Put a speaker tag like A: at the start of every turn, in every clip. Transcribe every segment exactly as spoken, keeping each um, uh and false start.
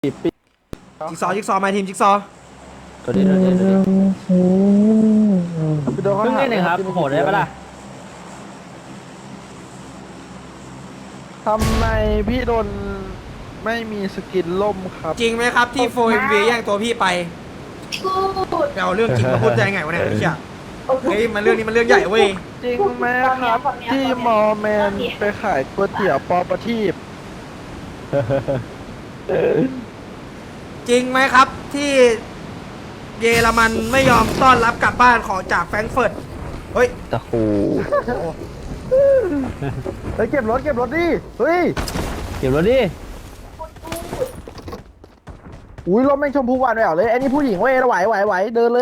A: จิ๊กซอว์จิ๊กซอว์มาทีมจิ๊กซอว์
B: ตัวนี้ตัวนี้ตัวนี้เพิ่งเล่นเองครับโหดได้ปะล่ะ
C: ทำไมพี่โดนไม่มีสกินล่มครับ
A: จริงไหมครับที่โฟเอ็มวีแย่งตัวพี่ไปไปเอาเรื่องจริงมาพูดได้ไงวะเนี่ยไอ้เหี้ยเฮ้ยมันเรื่องนี้มันเรื่องใหญ่เว้ย
C: จริงไหมครับที่มอแมนไปขายก๋วยเตี๋ยวปอประทีป
A: จริงไหมครับที่เยอรมันไม่ยอมต้อนรับกลับบ้านของจากแฟรงก์เฟิร์ตเฮ้ย
B: ตะคู
C: เฮ้ยเก็บรถเก็บรถดิเฮ้ย
B: เก็บรถดิ
C: อุ้ยรถแม่งชมพูหวานแหววเลยไอ้นี่ผู้หญิงเว้ยไหวไหวไหวเดินเลย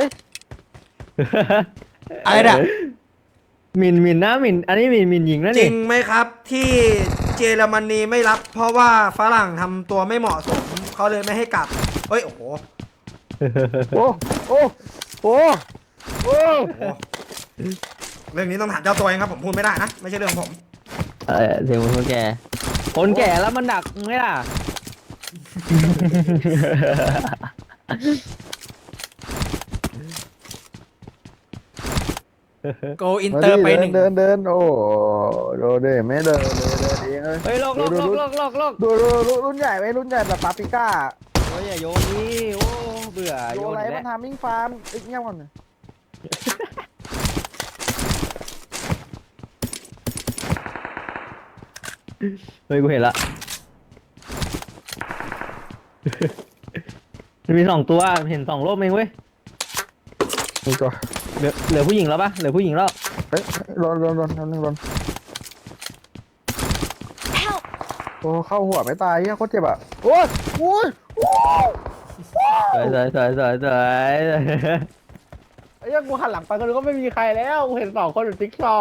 A: อะไรเนี่ย
B: หมินหมินนะหมินอันนี้หมินหมินหญิงนะ
A: จริ
B: นี่
A: งไหมครับที่เยอรมนีไม่รับ เพราะว่าฝรั่งทำตัวไม่เหมาะสมเขาเลยไม่ให้กลับเฮ้ยโอ้โห
C: โอ้โอ้โอ้โอ้
A: เรื่องนี้ต้องถามเจ้าตัวเองครับผมพูดไม่ได้นะไม่ใช่เรื่องของผม
B: เออเสียงคนแก่คนแก่แล้วมันดักไหมล่ะ
A: โกอินเตอร์ไปหนึ่ง
C: เดินเดินโอ้โดเดไม่เดินเลยเดินเองเลย
B: เฮ้ยโลกโลกโลกโลกโลกโลก
C: ดูดูรุ่นใหญ่ไว้รุ่นใหญ่แบบปาปิก้า
B: โอ้ยอย่าโยนนี่โอ้เบื่อ
C: โย
B: โยน
C: อะไร
B: อีก
C: มั
B: แล้
C: น
B: ว
C: ทำมิ่งฟาร์มอีกเงี้ยก่อน
B: เฮ้ยกูเห็นละมันมีสองตัวเห็นสองโลกเองเว้ย
C: นี่ก็
B: เหลือเหลือผู้หญิงแล้วปะเหลือผู้หญิงแล้ว
C: เฮ้ยรอนรอนรอนรอนรอนโอ้เข้าหัวไม่ตายเฮียโคตรเจ็บอ่ะโอ้ยโอ้ย
B: สวยสวยสวยสวยสวย
C: ไอ้ยังกูหันหลังไปก็รู้ก็ไม่มีใครแล้วกูเห็นสองคนอยู่ติ๊กซอ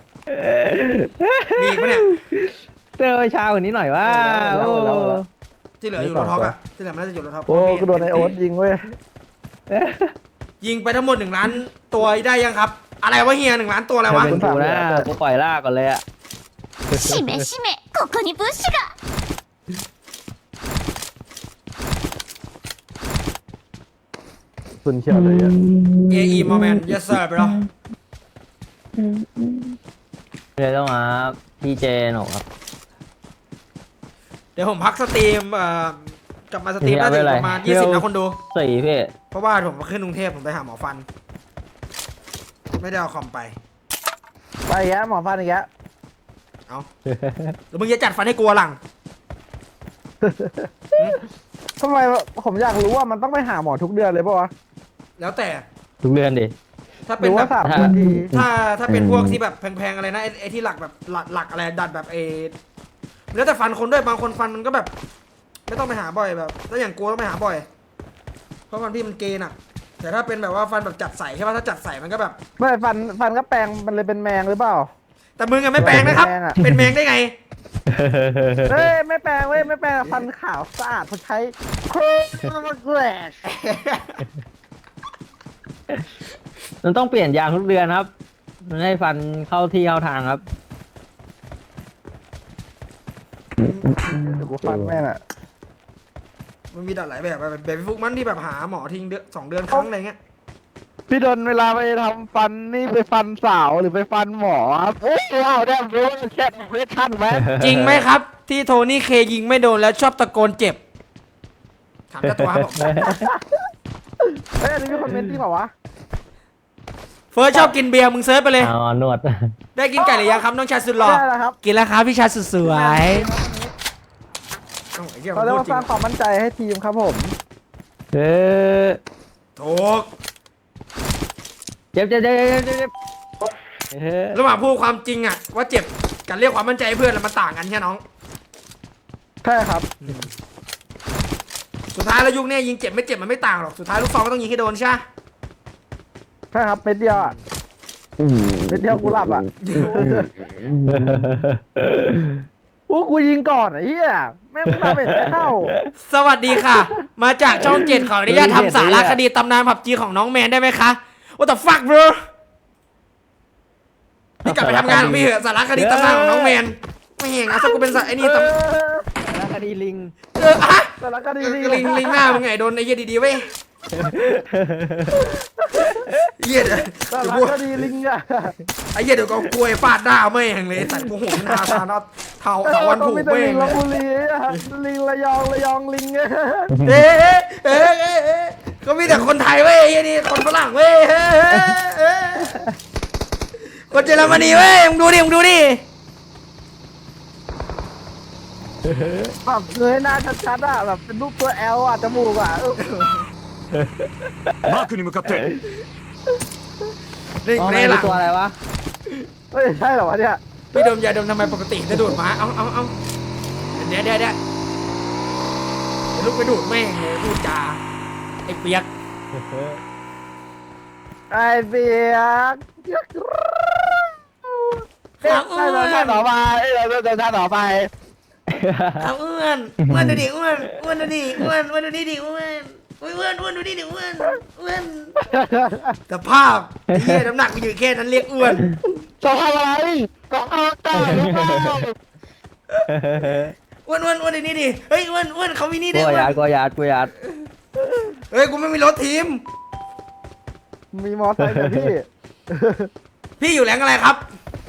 A: มีอีกปะเนี่ย
B: เจอชาคนนี้หน่อยว่าโอ้
A: ที่เหลืออยู่รถท็อกอะที่เหลือมันน่าจะอยู่รถท็อก
C: โอ้กูโดนไอโอ๊ตยิงเว้ย
A: ยิงไปทั้งหมดหนึ่งล้านตัวได้ยังครับ อะไรวะเฮียหนึ่งล้านตัวอะไรวะ
B: เป็นกูนะกูปล่อยลากก่อนเลยอะ
D: しめしめここに物資が
C: สุนเขียวเลยอ่ะ
A: เอไอโมเมนต์ yes sir ไปแล้ว
B: เดี๋ยวต้องมาพี่เจนหนกครับ
A: เดี๋ยวผมพักสตรีมเอ่อกลับมาสตรีมน่าจะอยู่ประมาณยี่สิบนะคนดู
B: สี่พี่
A: เพราะว่าผมขึ้นกรุงเทพผมไปหาหมอฟัน ไม่ได้เอาคอมไป
C: ไปอีกแล้วหมอฟันอีกแล้ว
A: เอาแล้วมึงจะจัดฟันให้กลัวหลัง
C: ทำไมผมอยากรู้ว่ามันต้องไปหาหมอทุกเดือนเลยป่ะวะ
A: แล้วแต่
B: ทุกเดือนดิ
A: ถ้า
C: ห
A: เป็
C: รื
A: น
C: อ
A: แบ
C: ว่า
A: บ
C: สามนาที
A: ถ้าถ้าเป็นพวกที่แบบแพงๆอะไรนะไอ้ไอ้ที่หลักแบบหลักหลักอะไรดัดแบบเอแล้วแต่ฟันคนด้วยบางคนฟันมันก็แบบ ไม่ต้องไปหาบ่อยแบบถ้าอย่างกลัวต้องไปหาบ่อย เพราะฟันพี่มันเกณฑ์อะแต่ถ้าเป็นแบบว่าฟันแบบจัดใส่ใช่ป่ะถ้าจัดใส่มันก็แบบ
C: ไม่ฟันฟันก็แปลงมันเลยเป็นแมงหรือเปล่า
A: แต่มึงอะไม่แปลงนะครับ
C: แปลงอะ
A: เป็นแมงได้ไง
C: เฮ้ยไม่แปลงเว้ยไม่แปลงฟันขาวสะอาดเขาใช้โครแกรช
B: มันต้องเปลี่ยนยางทุกเดือนครับมันให้ฟันเข้าที่เข้าทางครับ
C: เดี๋ยวกูฟันแม่งอ่ะ
A: มันมีดัดหลายแบบแบบแบบฟุกมันที่แบบหาหมอทิ้งเดือนสองเดือนครั้งอะไรเงี้ย
C: พี่ดนเวลาไปทำฟันนี่ไปฟันสาวหรือไปฟันหมอครับเอ้ยว้าวได้รู้แค่ไม่ทันไหม
A: จริงไหมครับ ที่โทนี่เคยิงไม่โดนแล้วชอบตะโกนเจ็บถามเจ้าตัวครับผม
C: เฮ้ยอันนี้มีคนเมนต์จริงเปล่าวะ
A: เฟิร์สชอบกินเบียร์มึงเซิร์ชไปเลย
B: เอาหนวด
A: ได้กินไก่หรือยังครับน้องชายสุดหล่อ
C: ได้แล้วครับ
A: กินแล้วครับพี่ชายสุดสวยเอ้าไอ้เหี้ย
C: เราเรียกว่า
A: พูดจ
C: ส
A: ริ
C: ร้าง
A: ง
C: ความมั่นใจให้ทีมครับผม
B: เออ
A: ถูก
B: เจ็บเจ็บเจ็บเจ็บเจ็บเจ็บเออ
A: ระหว่างพูดความจริงอะว่าเจ็บกับเรียกความมั่นใจให้เพื่อนมันต่างกันใช่น้อง
C: ใช่ครับ
A: สุดท้ายแล้วยุคนี้ยิงเจ็บไม่เจ็บมันไม่ต่างหรอกสุดท้ายลูกซองก็ต้องยิงให้โดนใช่ไหม
C: ใช่ครับเม็ดเดียวอ่ะเม็ดเดียวกูหลับอ่ะโอ้กูยิงก่อนไอ้เหี้ยแม่งทำเป็นไม่เข้า
A: สวัสดีค่ะ มาจากช่องเจ็ดขออนุญาตทำสารคดีตำนานผับจีของน้องแมนได้ไหมคะ What the fuck bro พี่กลับไปทำงานของพี่เหอะสารคดีตำนานของน้องแมนไม่เห็นเอาสักกูเป็นสายไอ้นี่ตำ
B: คดีลิง
A: เอออะ
C: แต่ละก็ดีดี
A: ลิงลิงหน้ามึงไงโดนไอ้เหี้ยดีๆเว้ยเหี้ยเดี๋ยว
C: แต่
A: เดี๋ยว
C: ละ
A: กู
C: ก็ดีลิงอะ
A: ไอ้เหี้ยเดี๋ยวก็กล้วยฟาดหน้าแม่งเลยสัตว์กูโหมหน้าทานเอาเท้าเท้าวัน
C: ต้อ
A: ผู
C: ง
A: ก
C: มีแต่
A: แม่
C: ลิ
A: ง
C: ง
A: เล
C: ล
A: ย
C: พบุรีอะลิงระยองระยองลิงอะ
A: เอ๊ะเอ๊ะเอ๊ะเอ๊ะก็มีแต่คนไทยเว้ยไอ้เหี้ยนี่คนฝรั่งเว้ยเอ๊ะเอ๊ะเอ๊ะคนเยอรมนีเว้ยมึงดูดิมึงดูดิ
C: แบบเงยหน้าชัดๆอะแบบเป็นรูปตัวแอลอะจมูกอะเออ
E: マークに向かって
A: นี่
B: อ๋อ
A: ใน
B: มัน
A: หลั
B: คือง ตัวอะไรวะ
C: เฮ้ยใช่เหรอวะเนี่ย
A: พี่ดมยาดมทำไมปกติจะดูดหมาเอาเอาเอาเดี๋ยวเดี๋ยวเดี๋ยวเดี๋ยวลูกไปดูดแม่งเลยพูดจาไอ้เปียก
C: ไอเบียกเอ๊ะได้แล้วท่าต่อไปเอ้ยเราจะท่าต่อไป
A: เอาอ้วนอ้วนดูดิอ้วนอ้วนดูดิอ้วนอ้วนดูดิดิอ้วนอ้วนอ้วนอ้วนดูดิดิอ้วนอ้วนแต่ภาพไอ้เหี้ยน้ำหนักมันอยู่แค่นั้นเรียกอ้วน
C: จะทำอะไรจะทำได้หรือเปล่า
A: อ้วนอ้วนอ้วนดูนี่ดิเฮ้ยอ้วนอ้วนเขามีนี่
B: ก
A: ด้
B: ลั
A: ว
B: วย
A: อ้ว
B: ยาน ดกลัวยาดกลัวยาด
A: เฮ้ยกูไม่มีรถทีม
C: มีมอไซค์กับพี่
A: พี่อยู่แรงอะไรครับ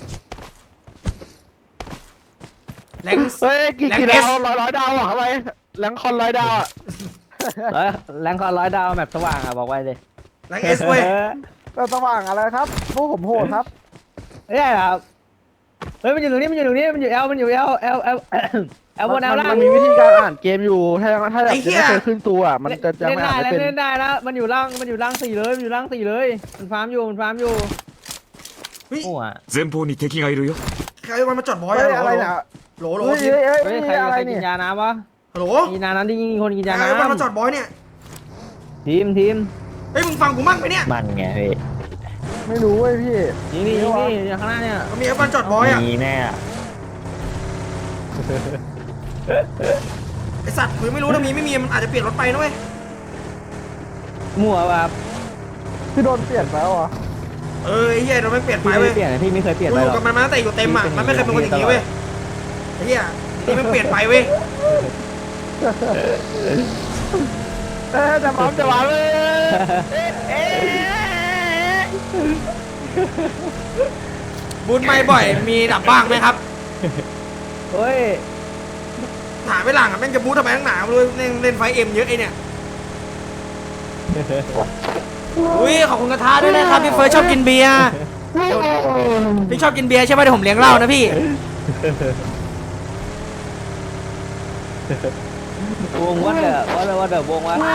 A: แรง
C: เฮ้ยกี่
A: แรง
C: กี่
A: เอ
C: ดา
A: ส
C: วร้อยร้อยดาวอะทำไมแหลงคอนร้อยดาวอะ
B: เอ้ยแรงคอนร้อยดาวแมปสว่างอ่ะบอกไว้เลย
A: แรงเอสเว้ย
C: ก็สว่างอะไรครับพวกผมโหดครับ
B: ไม่ใช่ครับเฮ้ยมันอยู่ตรงนี้มันอยู่ตรงนี้มันอยู่เอลมันอยู่เอลเอลเอลเอลบนเอล
C: มัน
B: ล่าง
C: มันมีวิธีการอ่านเกมอยู่ถ้ายังถ้าแบบยังไม่เคยขึ้นตัวอะมันจะจะ
B: เล่น
C: ไม่
B: ได้
C: อ่าน
B: แล้ว
C: ไม่เป็น
B: เล่นได้แล้วมันอยู่ล่างมันอยู่ล่างสี่เลยมันอยู่ล่างสี่เลยมันฟาร์มอยู่มันฟาร์มอยู่
A: เฮ้ย
B: โอ้อะ
E: 前方に敵がいるよ
A: ใครวันมาจอดบอย
C: เฮ้ย
A: อะ
C: อะไรเนี่ย
A: โหลโหล
C: เฮ้ย
A: ทีม
C: เฮ้ย
B: เฮ้
C: เฮ้
B: ย
C: ย
B: ใคร
C: อะไร
B: ใครกิ
C: เนี่ย
B: นยาน้ำวะ
A: ฮัลโหล
B: กินยาน้ำที่ยิงคนกินยา
A: ใครวันมาจอ
B: น้ำ
A: ดบอยเนี่ย
B: ทีมทีม
A: เฮ้ยมึงฟังกูมั่งไหมเนี่ย
F: มันไงพี่
C: ไม่รู้เว้ยพี่
B: ยิงนี่ยิงนี่อย่างข้างหน้าเนี่ย
A: มันมีไอ้วันจอดบอยอะ
F: มีแน่อะ
A: ไอสัตว์มึงไม่รู้ถ้ามีไม่มีมันอาจจะเปลี่ยนรถไปนะเว้ย
B: มั่วแบบ
C: พี่โดนเปลี่ยนไปแล้วเหรอ
A: เออไอ้เหี้ยเราไม่เปลี่ยนไป
B: พี่ไม่
A: เว้ย
B: ได้เปลี่ยนนะพี่ไม่เคยเปลี่ยน
A: กู
B: ไป
A: อ
B: หร
A: ยู่
B: อก
A: กับมันมาตั้งแต่อยู่เต็มอ่ะมันไม่เคยเป็นคนอย่างนี้เว้ยไอ้เหี้ยนี่มันเปลี่ยนไปเว้ย
C: เอ๊ะจะมาจะมาเลย
A: บุญไม่บ่อยมีดับบ้างไหมครับ
B: เฮ้ย
A: ถามไปหลังอ่ะแม่งจะบู๊ทำไมตั้งหนาไม่รู้เล่นเล่นไฟเอ็มเยอะไอเนี่ยอุ้ยขอบคุณกระทะด้วยนะครับพี่เฟิร์สชอบกินเบียร์พี่ชอบกินเบียร์ใช่ไหมเดี๋ยวผมเลี้ยงเหล้านะพี่
B: วงวัดเดอวัดเดอวัดเดอวงวัด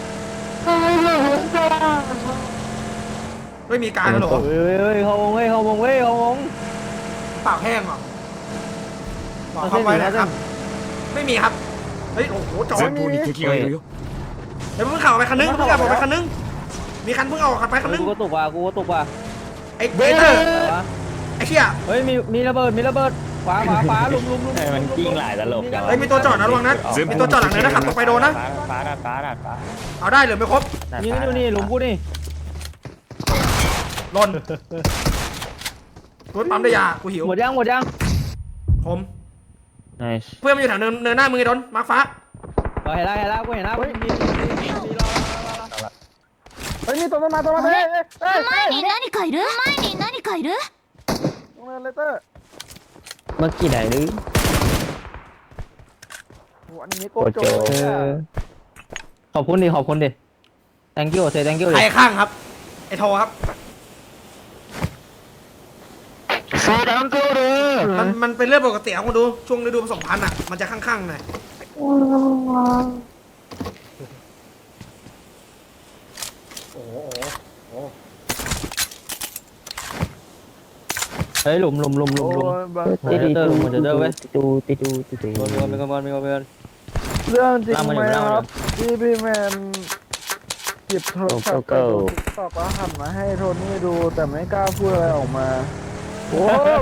A: ไม่มีการหรอ
B: เฮ้ยเฮ้ยเขาวงเฮ้ยเขาวงเฮ้ยเขาวง
A: ปากแห้งเหรอบอกเขาไว้นะครับ ไม่มีครับเฮ้ยโอ้โหจอ
E: 前方に敵がいるよ
A: เดี๋ยวเพิ่งข่าวไปคันนึงเพิ่งข่าวไปคันนึงมีคันเพิ่งเอาไปคันนึง
B: กูก็ตกว่ะกูก็ตกว่ะ
A: ไอ้เบเตอร์
B: อะไรวะ
A: ไอ้เชี่ย
B: เฮ้ยมีมีระเบิดมีระเบิดขวาขวาขวาลุมลุมลุม
F: เออมันกิ้งหลายตลบจังวะ
A: เฮ้ยมีตัวจอดนะระวังนะมีตัวจอดหลังเลยนะขับตรงไปโดนนะ
F: ฟ้าดาดฟ้าดาดฟ้า
A: เอาได้หรือไม่ครบ
F: ดาด
B: ยิง
F: ฟ้า
B: กันอยู่นี่หลุมกูนี่
A: หล่นรถปั๊มได้ยากูหิว
B: หมดยังหมดยัง
A: ผม
F: ไนส์
A: เพื่อนมันอยู่แถวเนินเนินหน้ามือไอ้ดนมาร์คฟ้า
B: เห็นแล้วเห็นแล้วกูเห็นแล้วมีมีมีมีรอ
C: เฮ้ยมีตัวมาตัวมาเฮ้ยเฮ้ยเฮ้ย
D: 前に何かいる前に何かいる
C: ตรงนั้นเลเตอร์
F: เมื่อกี้ไหนหรือ
C: โอ้อันนี้โก
F: โก
C: โจ
F: โจ
C: เลยอะ
B: ขอบคุณดิขอบคุณดิ thank you say thank you
A: ใคร
B: ดิ
A: ข้างครับไอ้โทครับ
C: โซดังโกเลย
A: มันมันเป็นเรื่องปกติครับคุณดูช่วงฤดูผสมพันธุ์อ่ะมันจะข้างๆหน่อยโอ้โหโอ้โห
B: เฮ้ยหลุมหลุมหลุมหลุมหลุม
F: ติด
B: เดินหมดเดินเว้ย
F: ติดูติดูติดู
B: มีคนมีคนมีคนมีคน
C: เรื่องจริง
B: ตามมาอยู่
C: ไหม
B: ตามมาอยู่
C: ครับที่พี่แมนหยิบโทรศัพท์ไปดูติ๊กต็อกแล้วหันมาให้โทนี่ดูแต่ไม่กล้าพูดอะไรออกมาโอ้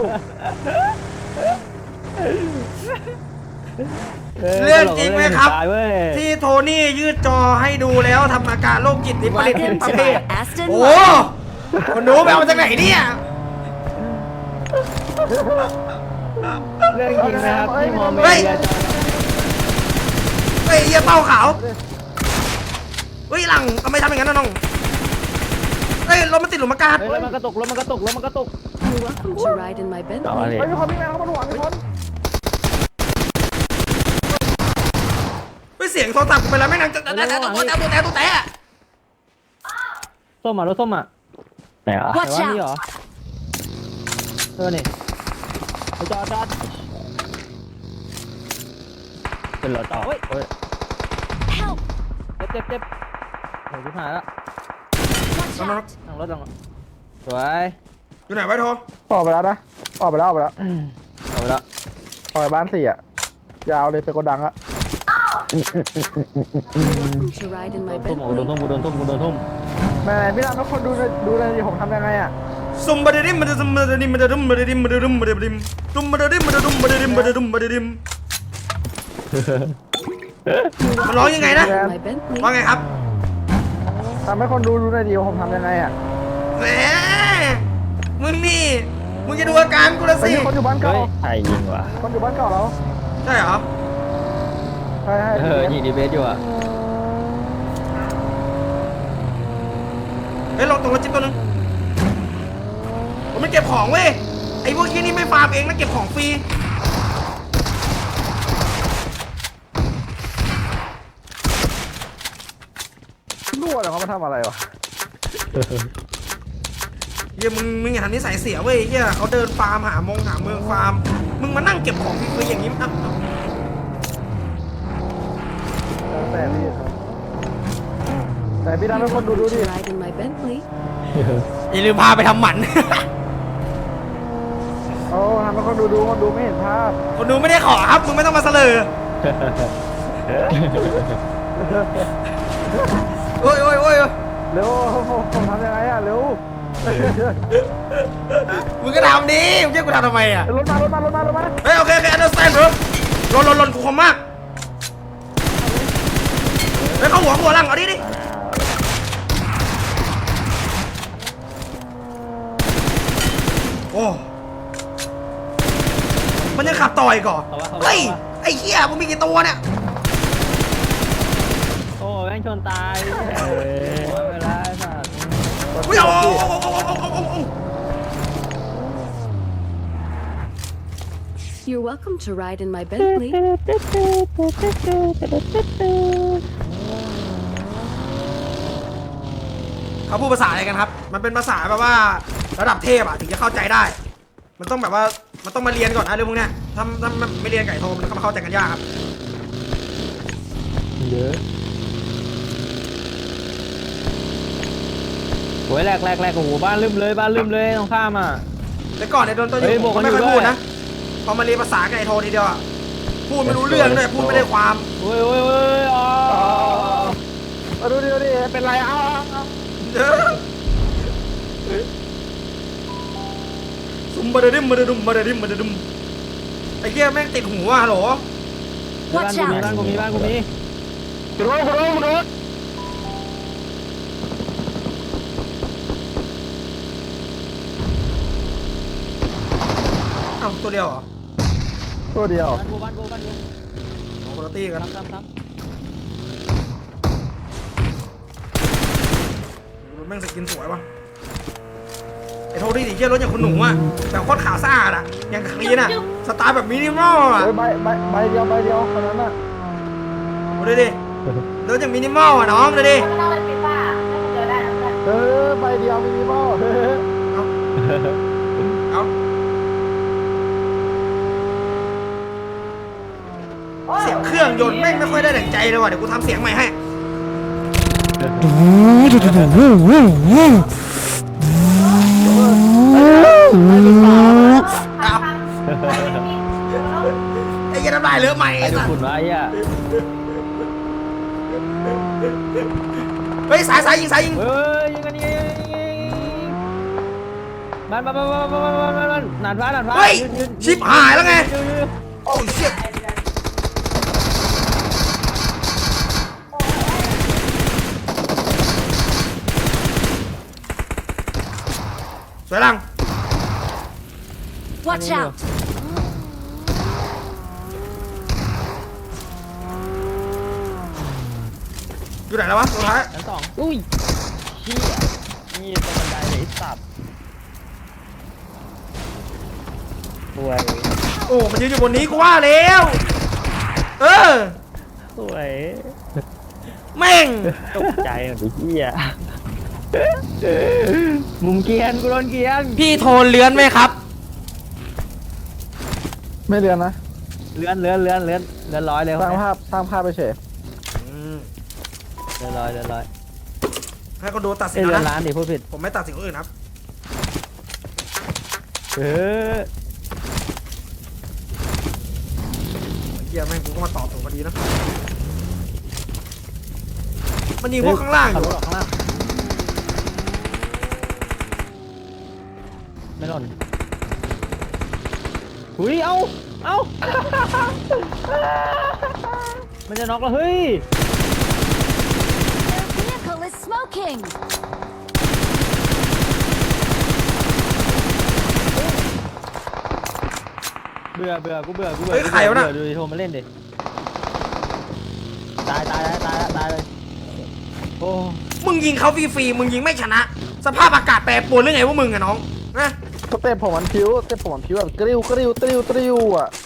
A: เรื่องจริงไหมครับ
B: ตายเว้ย
A: ที่โทนี่ยืดจอให้ดูแล้วทำอาการโรคจิตวิปริตประเภท
D: Aston
A: โอ้คนดูไปเอามาจากไหนเนี่ย
B: เรื่องจริงนะครับที่มอมเม
A: เฮ้ย
B: เดีย
A: เฮ้ยเหี้ยเป้าขาวเฮ้ยหลังทำไมทำอย่างนั้นนะน้องเฮ้ยรถมันติดหลุมอากาศ
B: เฮ้ยรถมันกระตุกรถมันกระตุกรถมันกระตุก
G: You're welcome to ride in my
F: ต่อ
G: Bentley.
F: เลย
C: เฮ้ยมีคนมีแมวเข้ามาหวงมีคน
A: เฮ้ยเสียงโทรศัพท์กูไปแล้วไม่งนั่งจะแต่แต่ตัวแต่ตัวแต่ตัวแต่
B: ส้มอ่ะรถส้มอ่ะ
F: ไหนอ่ะ
B: แต่
D: Watch
B: ว่านี่เหร
D: out!
B: อเออนี่ไปจอดจอด
F: เป็นรถต่อ
B: เฮ้ย
F: เฮ้ย
D: Help!
B: เจ็บเจ็บเจ็บโหชิบหายแล้ว
D: Watch out!
B: นั่งรถลงสวย
A: อยู่ไหนไว้โทร
C: ออกไปแล้วนะออกไปแล้วออกไปแล้ว
B: เอาไปแล้ว
C: ออกไปบ้านสี่อ่ะยาวเลยไปโกดังอ่ะ
G: Welcome to ride in my
B: ทุ่มโดน
G: Bentley.
B: ทุ่มโดนทุ่มโดนทุ่ม
C: ไหนๆพี่ดำทุกคนดูเลยดูเลยดิผมทำยังไงอ่ะ
A: ซุ่มบดดิมบดซุ่มบดดิมบดดิมบดดิมบดดิมบดดิมซุ่มบดดิมบดดิมบดดิมบดดิมบดดิมมันร้องยังไงนะ
G: In my Bentley.
A: ว่าไงครับ
C: ทำให้คนดูดูเลยดิว่าผมทำยังไงอ่ะ
A: แหมมึงนี่มึงจะดูอาการกูละ
C: ไป
A: สิ
C: ที่คนอยู่บ้านเก่า
F: เฮ้ยใครยิงวะ
C: คนอยู่บ้านเก่าเรา
A: ใช่เหรอ
C: ใช่ใช่
B: เออยิงดีเบสอยู่อ่ะ
A: เฮ้ยลงตรงรถจิ๊บตัวนึงผมไม่เก็บของเว้ยไอ้พวกที่นี่ไม่ฟาร์มเองนะเก็บของฟรี
C: รั่วเหรอเขามาทำอะไรวะ
A: เฮียมึงมึงอย่าทำนิสัยเสียเว้ยเฮียเขาเดินฟาร์มหามงหาเมืองฟาร์มมึงมานั่งเก็บของฟรีๆอย่างนี้อ่ะ
C: แล้วแต่พี่ครับแต่พี่ดำให้คนดูดู
G: Welcome
C: ดิ
G: to ride in my Bentley.
A: อย่าลืมพาไปทำหมัน
C: โอ้ทำให้คนดูดูคนดูไม่เห็นภาพ
A: คนดูไม่ได้ขอครับมึงไม่ต้องมาเสลอโอ้ยโอ้ยโอ้ย
C: เร็วผมผมทำยังไงอ่ะเร็ว
A: มึงก็ทำดิมึงจะกูทำทำไมอ่ะ
C: รถมารถมารถมารถมา
A: เฮ้ยโอเคโอเค understand bro ลนลนลนกูคมมากเฮ้ยเข้าหัวหัวหลังเอาดิดิโอ้มันยังขับต่อยก่อนเฮ้ยไอ้เหี้ยมึงมีกี่ตัวเนี่ย
B: โอ้แม่งชนตายโอ้ยเวลาไอ้สัตว์
A: อุ้ยโอ้โหโอ้โหโอ้โหโอ้โหโอ้โห
G: You're welcome to ride in my Bentley.
A: เขาพูดภาษาอะไรกันครับ มันเป็นภาษาแบบว่าระดับเทพอะถึงจะเข้าใจได้ มันต้องแบบว่ามันต้องมาเรียนก่อนนะเรื่องพวกเนี้ยถ้าถ้าไม่เรียนไก่โทมันก็มาเข้าใจกันยากครับ
B: เยอะโอ้ยแรกแรกแรกโอ้โหบ้านลืมเลยบ้านลืมเลยตรงข้ามอ่ะ
A: แต่ก่อนเนี่ยโดนตัวอ
B: เฮ้ย
A: ยู่
B: บ
A: ผ
B: อก
A: ม
B: กั
A: ก็
B: น
A: ไม่ค่อย
B: อยู่
A: พูด
B: ด้วย
A: นะพอมาเรียนภาษาไก่โททีเดียวอะพูดไม่รู้เรื่องด้วยพูดไม่ได้ความ
B: โอ้ยโอ้ยโอ้ยอ๋อ
C: มาดูดิดูดิเป็นไรเอาเอา
A: ซุมบะเดดิมบะเดดุมบะเดดิมบะเดดุมไอ้เหี้ยแม่งติดหูอ่ะโหล
B: บ้าน
D: Watch
B: กูมี
D: out!
B: บ้านกูมีบ้านกูมี
C: คุณรถคุณรถคุณรถ
A: เอ้าตัวเดียวเหรอ
C: ตัวเดียว
B: บ้านกูบ้านกูบ้านกู
A: โอ้โหคนละตีกัน
B: ทำทำทำ
A: แม่งสกินสวยว่ะไอ้โทนี่ดิเหี้ยรถอย่างคุณหนูอ่ะแบบโคตรขาวสะอาดอ่ะอย่างคลีนอ่ะสไตล์แบบมินิมอลอ่ะ
C: เฮ้ยใบใบใบเดียวใบเดียวคนนั้นน่ะ
A: ดูดิดิรถอย่างมินิมอลอ่ะน้องดูดิ
C: เออใบเดียวมินิมอลเฮ้ย
A: เอาเสียงเครื่องยนต์แม่งไม่ค่อยได้ดั่งใจเลยว่ะเดี๋ยวกูทำเสียงใหม่ให้เอาไอ้เหี้ยันน้ำลายเลอะใหม่
B: ไอ้
A: ไอ้
B: ดู
A: สัส
B: ฝุ่นไว้อ่ะ
A: เฮ้ยสายสายยิงสายยิง
B: เฮ้ยยิงกันยิงกันยิงกันบ้านบ้านบ้านบ้านบ้านบ้านบ้านหนานฟ้าหนานฟ้า
A: เฮ้ยชิบหายแล้วไงโอ้ยเชี่ยสวยลัง
D: Watch out!
A: สอยู่ไหนแล้ววะสุดท้าย
B: ชั้นสองอุ้ยเชี่ยนี่ตรงบันไดเลยไอ้สัตว์สวย
A: โอ้มันยืนอยู่บนนี้กูว่าแล้วเออ
B: สวย
A: แม่ง
B: ตกใจหมดไอ้เหี้ยมุมเกรียนกูโดนเกรียน
A: พี่โทนเลื้อนไหมครับ
C: ไม่เรียนนะ
B: เลื่อนเลื่อนเลื่อนเลื่อนเลื่อนร้อยเลย
C: สร้างภาพสร้างภาพไปเฉย
B: เลื่อนร้อยเลื่อนร้อย
A: ให้คนดูตัดสิน
B: เอ้ยเลื่อน
A: นะ
B: ร้านดิพูดผิด
A: ผมไม่ตัดสินคนอื่นครับ
B: เออ
A: เฮียแม่งกูก็มาตอบถูกพอดีนะมันยิงพวกข้างล่างอ
B: ขับ
A: ยู่
B: รถออกข้างล่างไม่หล่นหุยเอาเอา มันจะน็อกแล้วเฮ้ย
D: Their vehicle is smoking.
B: เบื่อเบื่อกูเบื่อกูเบื่อ
A: เฮ้ยใครวะน่ะ
B: เบื่อดูดิโทรมาเล่นดิตายตายตายตายตายเลยโอ้
A: มึงยิงเขาฟรีๆมึงยิงไม่ชนะ สภาพอากาศแปรปรวนหรือไงวะมึงอะน้องนะ
C: สเต็ปผมมันพิ้วสเต็ปผมมันพิ้วแบบกริ้วกริ้วกริ้วกริ้วอ่ะ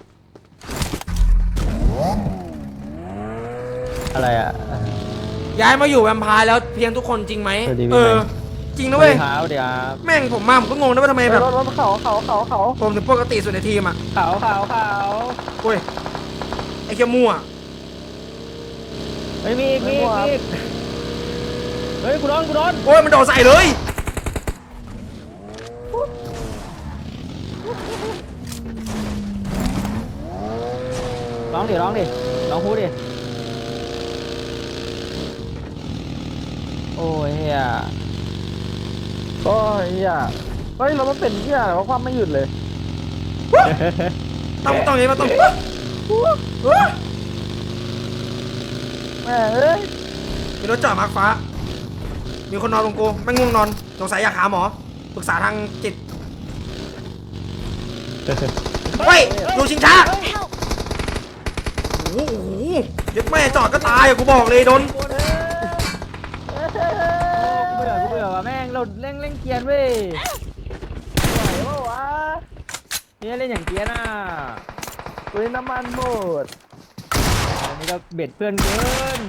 B: อะไรอ่ะ
A: ย้ายมาอยู่แวมไพร์แล้วเพียงทุกคนจริงไหม
B: สวัสดีพี่
A: เออ
B: แมน
A: จริงนะเว้ย
B: เท้าเดี๋ยว
A: แม่งผมมาผมก็งงนะว่าทำไมแบบ
C: รถรถเขาเขาเขาเขา
A: ผมถึงปกติสุดในทีมอ่ะ
B: ขาวขาวขาว
A: โอ้ยไอ้เคียมั่ว
B: เฮ้ยมีอีกมีอีกมีอีกเฮ้ยกูโดนกูโดน
A: โอ้ยมันโดดใส่เลย
B: ร้องดิร้องดิร้องพูดดิโอ้ยเฮีย
C: ก็เฮียเฮ้ยเรามันเป็นเฮียอะไรวะความไม่หยุดเลย
A: ต้องต้องอย่างนี้มาต้อง
C: แม่เอ้ย
A: มีรถจอดมาร์คฟ้า มีคนนอนตรงกูไม่ง่วงนอนสงสัยอยากหาหมอปรึกษาทางจิตเฮ้ยดูชิงช้า
D: Help!
A: โอ้โหยึดแม่จอดก็ตายอะกูบอกเลยโดน
B: กูเบื่อกูเบื่อว่ะแม่งเราเล่นเล่นเกียร์เว้ย
C: ไหวปะวะ
B: เนี่ยเล่นอย่างเกียร์น่ะ
C: อุ้ยน้ำมันหมด
B: อันนี้ก็เบ็ดเพื่อนเกิน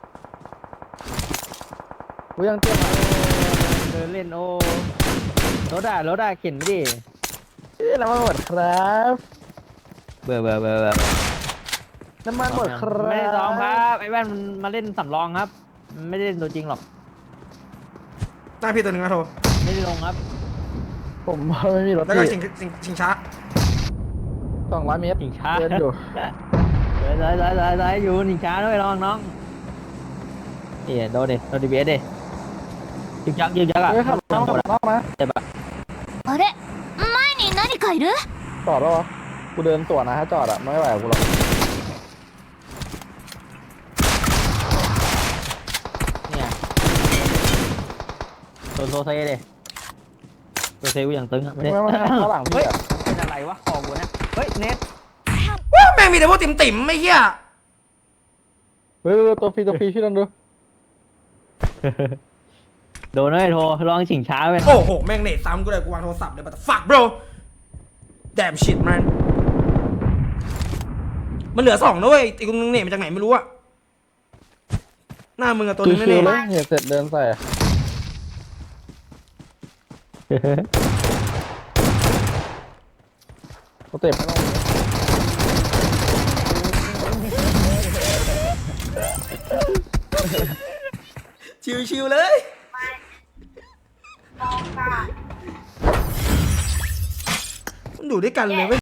C: กูยังเตรียมมา
B: เดินเล่นโอ้รถอะรถอะเข็นไม่ดิ
C: เอ้ยน้ำมันหมดครับ
B: เบื่อเบื่อเบื่อเบื่อ
C: น้ำมันหมดครับ
B: ไม่ได้ซ้อมครับไอ้แว่นมันมาเล่นสำรองครับมันไม่ได้เล่นตัวจริงหรอก
A: หน้าพี่ตัวหนึ่งนะโท
B: ไม่ได้ลงครับ
C: ผมไม่มีรถ
A: แล้วก็
C: พี่
A: ชิงชิงชิงช้า
C: สองร้อยเมตร
B: หนิงช้า
C: เดินอยู่
B: เดี๋ยวเดี๋ยวเดี๋ยวเดี๋ยวเดี๋ยวอยู่หนิงช้าด้วยน้องน้องนี่โดนดิโดนดีเบสดิยึกยักยึกยักอ่ะ
C: เฮ้ยขับน้องขับน้องนะ
B: เจ็บอ่ะ
D: あれ前に何かいる
C: จอดแล้ววะกูเดินสวนนะถ้าจอดอะไม่ไหวกับกูหรอก
B: เนี่ยโดนโซเซ่ดิโซเซ่กูอย่างตึงอ่ะไม่ได้
C: ไม่ไม่ไม่ข้างหลัง
B: เฮ้
C: พี่
B: ย
C: อะ
B: เป็นอะไรวะคอกูนะเฮ้ยเน็ต
A: ว้าวแม่งมีแต่พวกติ่มติ่มๆไม่เหี้ย
C: เฮ้ยตัวฟรีตัวฟรีพี่ลองดู
B: โดนเลยโทรลองฉิงช้าไป
A: โอ้โหแม่งเนตซ้ำกูเลยกูวางโทรศัพท์เลยบัตฝัก bro damn shit man มันเหลือสองนะเว้ยอีกคนนึงเนตมาจากไหนไม่รู้อะหน้ามึงอะตัวนึง
C: ชิ
A: แน่
C: วๆเล
A: ๆ
C: ยเนี่ยเสร็จเดินใส่สเต็ปไม่ต้อง
A: ชิวๆเลยมันอยู่ด้วยกันเลยเว้ย